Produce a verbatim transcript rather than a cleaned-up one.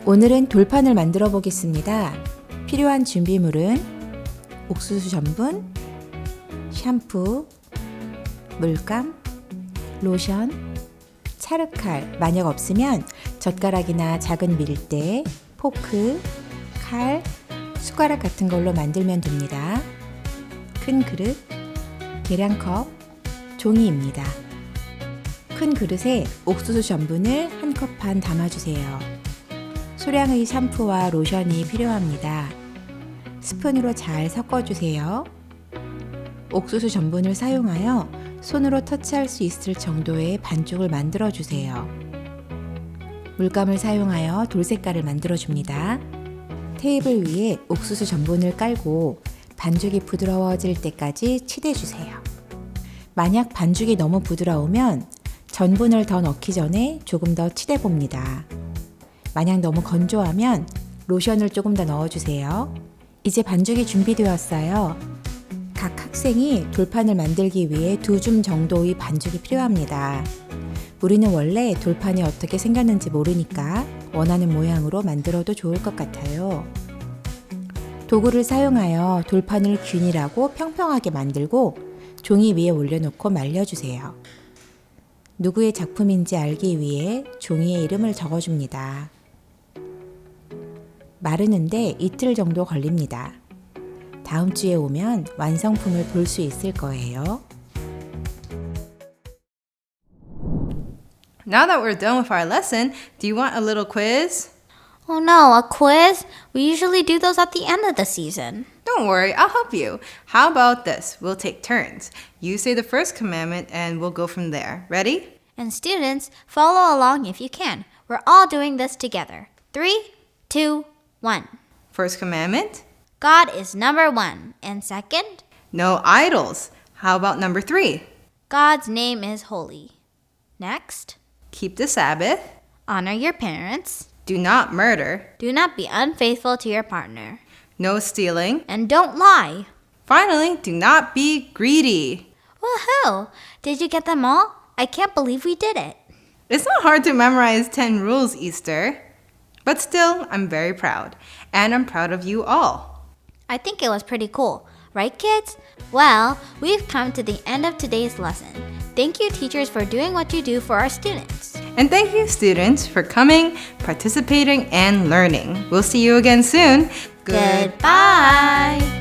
오늘은 돌판을 만들어 보겠습니다. 필요한 준비물은 옥수수 전분, 샴푸, 물감, 로션, 찰흙칼, 만약 없으면 젓가락이나 작은 밀대, 포크, 칼, 숟가락 같은 걸로 만들면 됩니다. 큰 그릇, 계량컵, 종이입니다. 큰 그릇에 옥수수 전분을 한 컵 반 담아주세요. 소량의 샴푸와 로션이 필요합니다. 스푼으로 잘 섞어주세요. 옥수수 전분을 사용하여 손으로 터치할 수 있을 정도의 반죽을 만들어주세요. 물감을 사용하여 돌 색깔을 만들어줍니다. 테이블 위에 옥수수 전분을 깔고 반죽이 부드러워질 때까지 치대주세요. 만약 반죽이 너무 부드러우면 전분을 더 넣기 전에 조금 더 치대봅니다. 만약 너무 건조하면 로션을 조금 더 넣어주세요. 이제 반죽이 준비되었어요. 각 학생이 돌판을 만들기 위해 두 줌 정도의 반죽이 필요합니다. 우리는 원래 돌판이 어떻게 생겼는지 모르니까 원하는 모양으로 만들어도 좋을 것 같아요. 도구를 사용하여 돌판을 균일하고 평평하게 만들고 종이 위에 올려놓고 말려주세요. 누구의 작품인지 알기 위해 종이에 이름을 적어줍니다. 마르는데 이틀 정도 걸립니다. 다음 주에 오면 완성품을 볼 수 있을 거예요. Now that we're done with our lesson, do you want a little quiz? Oh no, a quiz? We usually do those at the end of the season. Don't worry, I'll help you. How about this? We'll take turns. You say the first commandment and we'll go from there. Ready? And students, follow along if you can. We're all doing this together. Three, two, one. First commandment? God is number one. And second, No idols. How about number three? God's name is holy. Next, Keep the Sabbath. honor your parents. Do not murder. Do not be unfaithful to your partner. No stealing. And don't lie. Finally, do not be greedy. Woohoo! Did you get them all? I can't believe we did it. It's not hard to memorize ten rules, Easter. But still, I'm very proud. And I'm proud of you all. I think it was pretty cool. Right, kids? Well, we've come to the end of today's lesson. Thank you, teachers, for doing what you do for our students. And thank you, students, for coming, participating, and learning. We'll see you again soon. Goodbye.